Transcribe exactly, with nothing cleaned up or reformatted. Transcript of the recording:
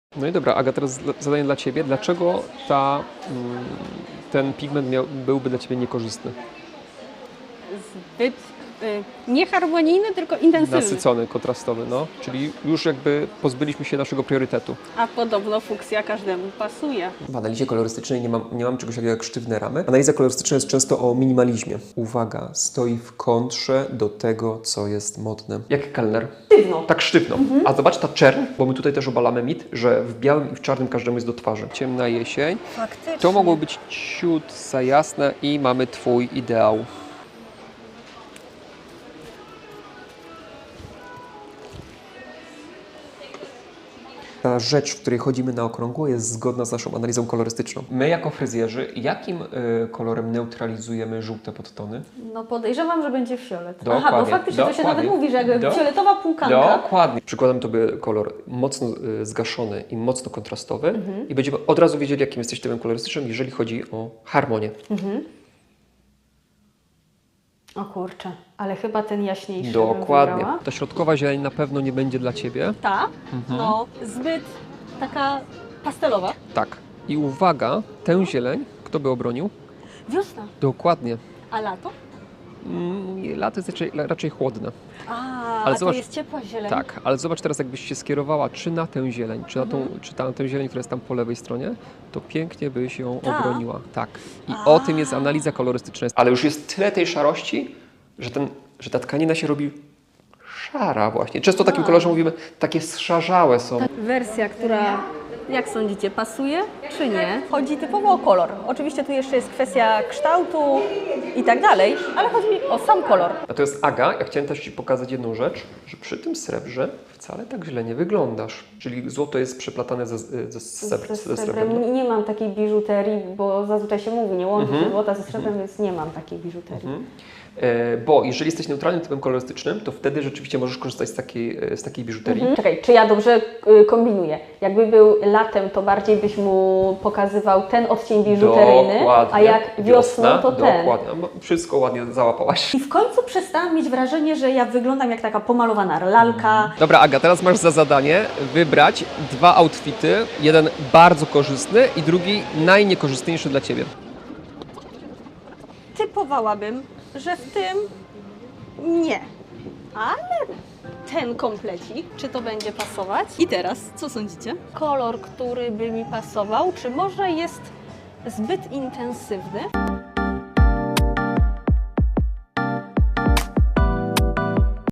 No i dobra, Aga, teraz zadanie dla Ciebie. Dlaczego ta, ten pigment miał, byłby dla Ciebie niekorzystny? Zbyt y, nieharmonijny, tylko intensywny. Nasycony, kontrastowy, no. Czyli już jakby pozbyliśmy się naszego priorytetu. A podobno fuksja każdemu pasuje. W analizie kolorystycznej nie mam, nie mam czegoś takiego jak sztywne ramy. Analiza kolorystyczna jest często o minimalizmie. Uwaga, stoi w kontrze do tego, co jest modne. Jak kelner. Sztywno. Tak sztywno. Mhm. A zobacz ta czerń, bo my tutaj też obalamy mit, że w białym i w czarnym każdemu jest do twarzy. Ciemna jesień. Faktycznie. To mogło być ciut za jasne i mamy Twój ideał. Ta rzecz, w której chodzimy na okrągło, jest zgodna z naszą analizą kolorystyczną. My jako fryzjerzy, jakim y, kolorem neutralizujemy żółte podtony? No podejrzewam, że będzie fiolet. Dokładnie, Aha, bo faktycznie to się dokładnie. nawet mówi, że jakby Do- fioletowa półkanka. Dokładnie. Przykładem to by kolor mocno y, zgaszony i mocno kontrastowy i będziemy od razu wiedzieli, jakim jesteś typem kolorystycznym, jeżeli chodzi o harmonię. O kurczę, ale chyba ten jaśniejszy Dokładnie. bym wybrała. Ta środkowa zieleń na pewno nie będzie dla Ciebie. Ta, no zbyt taka pastelowa. Tak. I uwaga, tę zieleń, kto by obronił? Wiosna. Dokładnie. A lato? Mm, lato jest raczej, raczej chłodne. A, Ale a zobacz- to jest ciepła zieleń. Tak, ale zobacz teraz, jakbyś się skierowała czy na tę zieleń, czy na, tą, czy na tę zieleń, która jest tam po lewej stronie, to pięknie byś ją Ta? obroniła. Tak. I o tym jest analiza kolorystyczna. Ale już jest tyle tej szarości, że, ten, że ta tkanina się robi szara właśnie. Często o takim kolorze mówimy, takie zszarzałe są. Wersja, która, jak sądzicie, pasuje czy nie? Chodzi typowo o kolor. Oczywiście tu jeszcze jest kwestia kształtu i tak dalej, ale chodzi o sam kolor. A to jest Aga. Ja chciałem też Ci pokazać jedną rzecz, że przy tym srebrze wcale tak źle nie wyglądasz. Czyli złoto jest przeplatane ze, ze, srebr, Ze ze srebrem. srebrem nie, nie mam takiej biżuterii, bo zazwyczaj się mówi, nie łączy się złota ze srebrem, więc nie mam takiej biżuterii. E, bo jeżeli jesteś neutralnym typem kolorystycznym, to wtedy rzeczywiście możesz korzystać z takiej, e, z takiej biżuterii. Mhm. Czekaj, czy ja dobrze y, kombinuję? Jakby był latem, to bardziej byś mu pokazywał ten odcień biżuteryjny, Dokładnie. a jak wiosną, to ten. Dokładnie. No, wszystko ładnie załapałaś. I w końcu przestałam mieć wrażenie, że ja wyglądam jak taka pomalowana lalka. Dobra, Aga, teraz masz za zadanie wybrać dwa outfity. Jeden bardzo korzystny i drugi najniekorzystniejszy dla Ciebie. Typowałabym, że w tym nie. Ale ten komplecik, czy to będzie pasować? I teraz, co sądzicie? Kolor, który by mi pasował, czy może jest zbyt intensywny?